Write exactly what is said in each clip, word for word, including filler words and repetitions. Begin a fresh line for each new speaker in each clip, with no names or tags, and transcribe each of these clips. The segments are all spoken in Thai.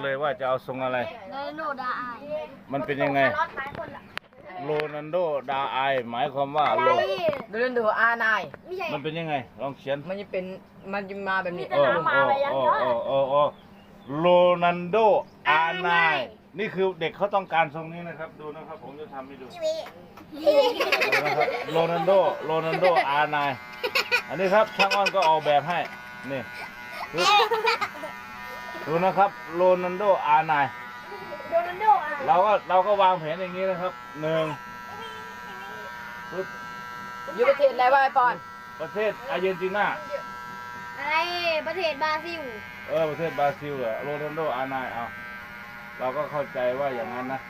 เลยว่าจะเอาทรงอะไร
โรนัลโดดาไอ
มันเป็นยังไงโรนัลโดดาไอหมายความว่าโร
โรนัลโดอาร์ไนน์
มันเป็นยังไงลองเขียน
มันจะเป็นมันจะมาแบบนี้
โอ้โอ้โอ้โอ้โอ้โรนัลโดอาร์ไนนี่คือเด็กเขาต้องการทรงนี้นะครับดูนะครับผมจะทำให้ดูนะครับโรนัลโดโรนัลโดอาร์ไนอันนี้ครับช่างอ้อนก็ออกแบบให้นี่ดูนะครับโรนัลโดอาร์ไนเราก็เราก็วางแผนอย่างนี้นะครับหนึ่ง
อยู่ประเทศอะไรวะไอปอน
ประเทศอาร์เจนตินา
อะไรประเทศบราซิล
เออประเทศบราซิลเหรอโรนัลโดอาร์ไนเอาเราก็เข้าใจว่าอย่างนั้นนะ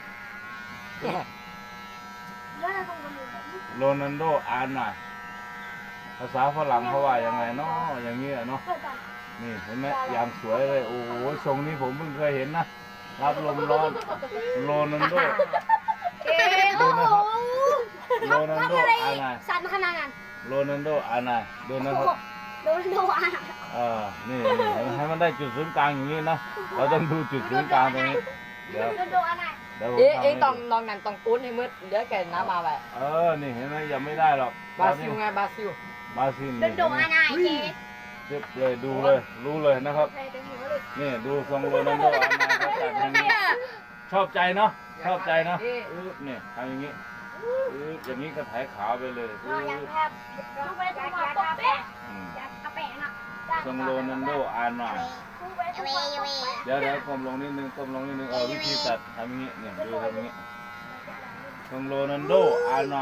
โรนัลโดอาร์ไนภาษาฝรั่งเขาว่ายังไงเนาะอย่างนี้เนาะนี่เห็นไหมอย่างสวยเลยโอ้โหทรงนี้ผมเพิ่งเคยเห็นนะรับลมร้อนโรนัลโดดูนะครับโรนัลโดอาร์ไน
สันขนาดนั้น
โรนัลโดอาร์ไนดูนะครับ
โรนัลโดอาร์
เออนี่ให้มันได้จุดศูนย์กลางอย่างนี้นะเราต้องดูจุดศูนย์กลางตรงนี้เดี๋ยวเดี๋ยว
เอ๊ะเอ๊ะต้องลองนั่นต้องปูนให้มืดเดี๋ยวแกน้ำมาไป
เออนี่เห็นไหมยังไม่ได้หรอก
บราซิลไงบราซิล
บราซิล
โรนัลโดอาร์ไนเจ๊
เจ็บเลยดูเลยรู้เลยนะครับนี่ดูทรงโรนัลโดอาร์ไนเขาจัดอย่างนี้ชอบใจเนาะชอบใจเนาะนี่ทำอย่างนี้อย่างนี้ก็ถ่ายขาวไปเลยทรงโรนัลโดอาร์ไนเดี๋ยวเดี๋ยวก้มลงนิดนึงก้มลงนิดนึงเอาวิธีตัดทำอย่างนี้เนี่ยดูทำอย่างนี้ทรงโรนัลโดอาร์ไน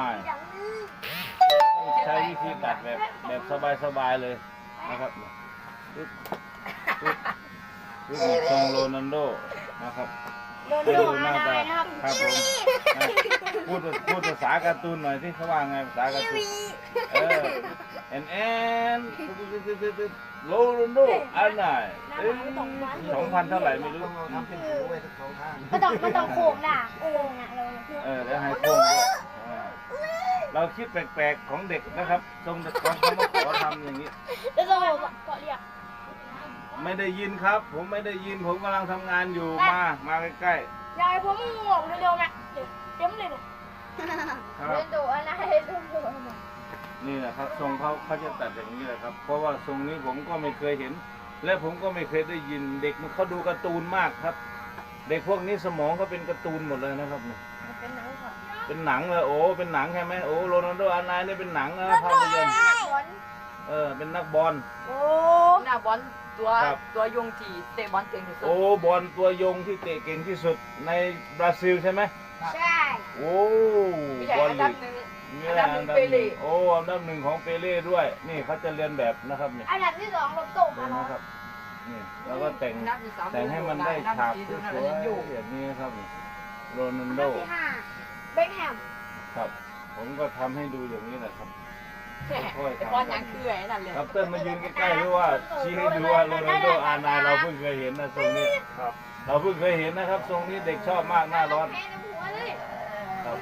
ใช้วิธีตัดแบบแบบสบายๆเลยนะครับปึ๊บปึ๊บปึ๊บทรงโรนัลโดนะครับให้ดูหน้าตาครับผมพูดพูดภาษาการ์ตูนหน่อยที่เขาว่าไงภาษาการ์ตูนเออแอนแอนโรนัลโดอาร์ไนสองพันเท่าไหร่ไม่รู้ทำเป็นหูไว้ทั้งสองข้าง
ก็ต้องก็ต้องโค้งล่ะโค้งอ่ะเรา
เออแล้วให้โค้งด้วยเราคิดแปลกๆของเด็กนะครับทรงเด็กของเขามาขอทำอย่างนี้
แล้วเราก็เรียก
ไม่ได้ยินครับผมไม่ได้ยินผมกำลังทำงานอยู่มามาใกล้
ๆยายผมง่วงเร็วๆแม่เต็มเลยเนี่ยเล่นดูอะไรเล่นดู
นี่แหละครับทรงเขาเขาจะตัดอย่างนี้แหละครับเพราะว่าทรงนี้ผมก็ไม่เคยเห็นและผมก็ไม่เคยได้ยินเด็กมันเขาดูการ์ตูนมากครับ เด็กพวกนี้สมองเขาเป็นการ์ตูนหมดเลยนะครับเนี่ย
เป็นหนังค่ะ
เป็นหนังเลยโอ้เป็นหนังใช่ไหมโอ้โรนัลโดอาร์ไนนี่เป็นหนังนะภาพยนตร์เออเป็นนักบอล
โอ้นักบอลตัวตัวยงที่เตะบอลเก่งที่สุด
โอ้บอลตัวยงที่เตะเก่งที่สุดในบราซิลใช่ไหม
ใช่
โอ้บอลลีกอันดับหนึ่งเปเล่โอ้อันดับหนึ่งของเปเล่ด้วยนี่เขาจะเรียนแบบนะครับนี่
อันดับที่สองลบตก
นะครับนี่แล้วก็แต่งแต่งให้มันได้ฉากสวยๆอย่างนี้ครับโรนัลโด
ที่ห้าเบคแฮม
ครับผมก็ทำให้ดูอย่างนี้แหละครับ
บอลยังคือไอ้นั่นเลย
ครับเต้นมายืนใกล้ๆหรือว่าชี้ให้ดูว่าโรนัลโดอาร์ไนเราเพิ่งเคยเห็นนะทรงนี้ครับเราเพิ่งเคยเห็นนะครับทรงนี้เด็กชอบมากหน้าร้อนครับ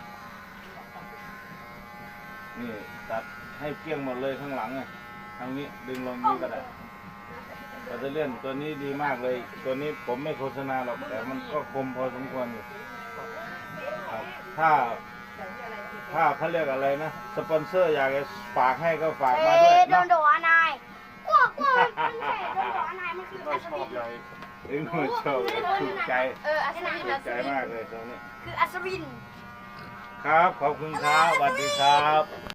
นี่ตัดให้เกลี้ยงหมดเลยข้างหลังอ่ะทางนี้ดึงลงนี้ก็ได้เราจะเลื่อนตัวนี้ดีมากเลยตัวนี้ผมไม่โฆษณาหรอกแต่มันก็คมพอสมควรอยู่ครับถ้าถ้าเขาเรียกอะไรนะสปอนเซอร์อยากจะฝากให้ก็ฝากมาด้วย
โดนโดอาร์ไนกว้ากว้ามันแค่โดนโดอาร์ไนมันคืออัศวิน
เอ็งไม่ชอบถูกใจ
เอออัศวิน
ถูกใจมากเลยตรงนี้
คืออัศวิน
ครับขอบคุณครับสวัสดีครับ